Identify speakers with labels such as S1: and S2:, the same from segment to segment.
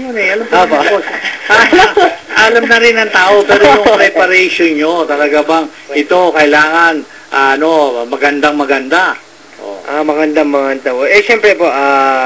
S1: yun eh. Alam po alam na rin ng tao, pero yung preparation nyo, talaga bang ito kailangan magandang-maganda? Oh.
S2: Maganda. Siyempre po,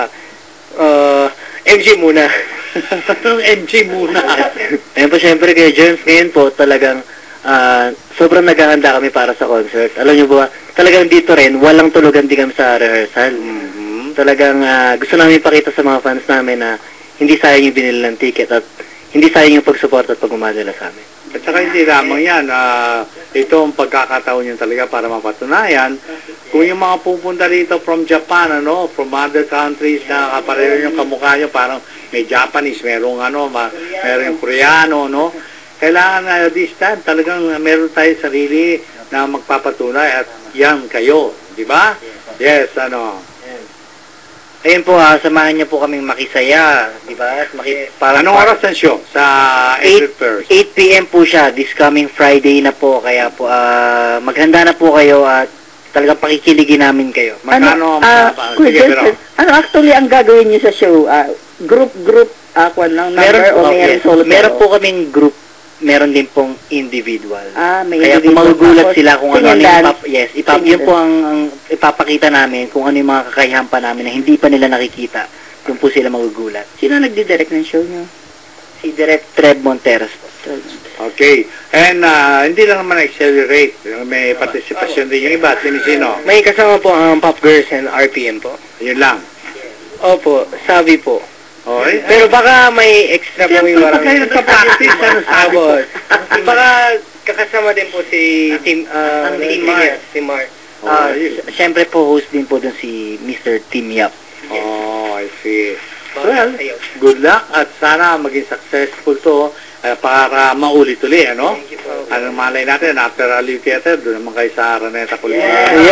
S2: MG muna.
S1: MG muna.
S3: Ayun po, siyempre kay Germs, ngayon po talagang sobrang naghahanda kami para sa concert. Alam niyo ba, talagang dito rin, walang tulugan din kami sa rehearsal. Talagang gusto namin ipakita sa mga fans namin na hindi sayang yung binili ng ticket at hindi sayang yung pag-support at pag-umadala sa amin.
S1: At saka hindi lamang yan, ito ang pagkakataon nyo talaga para mapatunayan kung yung mga pupunta rito from Japan, from other countries na kapareho yung kamukha nyo, parang may Japanese, merong merong Koreano, kailangan this time talagang meron tayo sarili na magpapatunay at yan kayo, di ba? Yes,
S3: Ayun po, samahan niyo po kaming makisaya, di ba?
S1: Anong oras ang show? Sa April 1st?
S3: 8 p.m. po siya, this coming Friday na po, kaya po maghanda na po kayo at talagang pakikiligin namin kayo.
S1: Magkano
S4: actually ang gagawin niyo sa show? Group lang, number o mayroon solo?
S3: Meron po kaming group, meron din pong individual.
S4: May
S3: kaya
S4: individual.
S3: kung magugulat sila kung ano yun po ang ipapakita namin, kung ano yung mga kakayahan pa namin na hindi pa nila nakikita, yung po sila magugulat.
S4: Sino nagdi-direct ng show niyo?
S3: Si Direct Trev Monteros po.
S1: Okay. And hindi lang naman accelerate. May participation din yung iba. Sino?
S2: May kasama po ang Pop Girls and RPM po.
S1: Yun lang.
S2: Opo, sabi po.
S1: Okay.
S2: Pero baka may extra po yung
S1: Siyempre, pag kayo nagpa-practice,
S2: Baka kakasama din po si Tim Mark.
S3: Siyempre po, host din po dun si Mr. Tim Yap.
S1: I see. Well, good luck at sana maging successful to para maulit-uli,
S2: Thank you po.
S1: Anong malay natin, after Aliw Theater, doon naman kayo sa Araneta Kultura.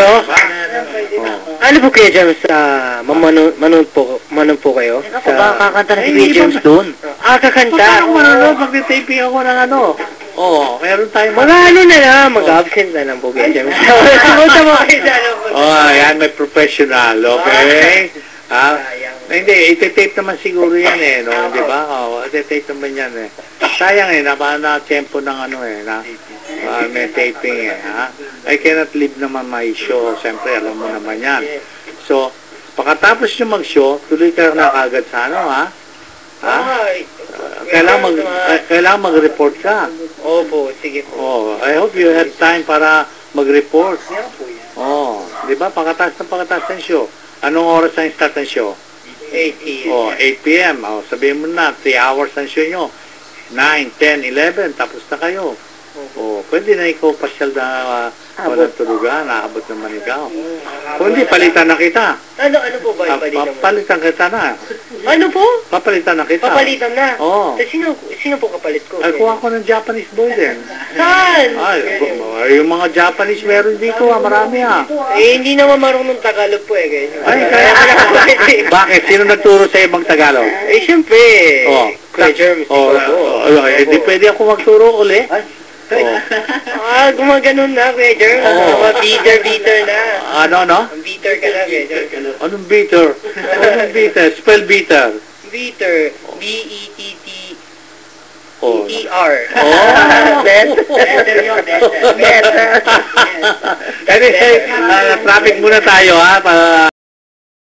S2: Ano po kayo dyan manood po kayo?
S3: Ako ba, kakanta na si Kuya James doon?
S2: Kakanta.
S1: Paano manonood? Mag-taping ako ng meron tayong
S2: mag-absent na lang po kayo dyan.
S1: Yan, may professional, okay? Hindi, iti-tape naman siguro yan di ba? Iti-tape naman yan Sayang na-tempo ng may taping I cannot leave naman my show, siyempre alam mo naman yan. So, pagkatapos nyo mag-show, tuloy kayo na kagad sa kailangan mag-report ka.
S2: Opo, sige po.
S1: I hope you have time para mag-report. Di ba? Pagkatapos ng show. Anong oras ang start ng show?
S2: 8 p.m.
S1: 8 p.m. Sabihin mo na, 3 hours ang show nyo. 9, 10, 11, tapos na kayo. Pwede na ikaw pasyal na walang tulugan, naabot naman ikaw. Kung hindi, palitan na kita.
S2: Ano po ba yung palitan mo?
S1: Palitan kita na.
S2: Ano po?
S1: Papalitan na kita.
S2: Papalitan na?
S1: Oo.
S2: Sino po kapalit ko?
S1: Kuha ko ng Japanese boy din.
S2: Saan?
S1: Yung mga Japanese meron dito marami
S2: hindi naman marunong Tagalog po
S1: kaya bakit? Sino nagturo sa ibang Tagalog?
S2: Siyempre. Kuya Germs.
S1: Hindi pwede ako magturo uli.
S2: Gumaganon na, Kuya Germs. Bitter na.
S1: Ano?
S2: Bitter ka na, Kuya Germs.
S1: Anong bitter? Spell bitter.
S2: Bitter. B-E-T-T. E-R.
S4: Better yun, better.
S1: Traffic muna tayo,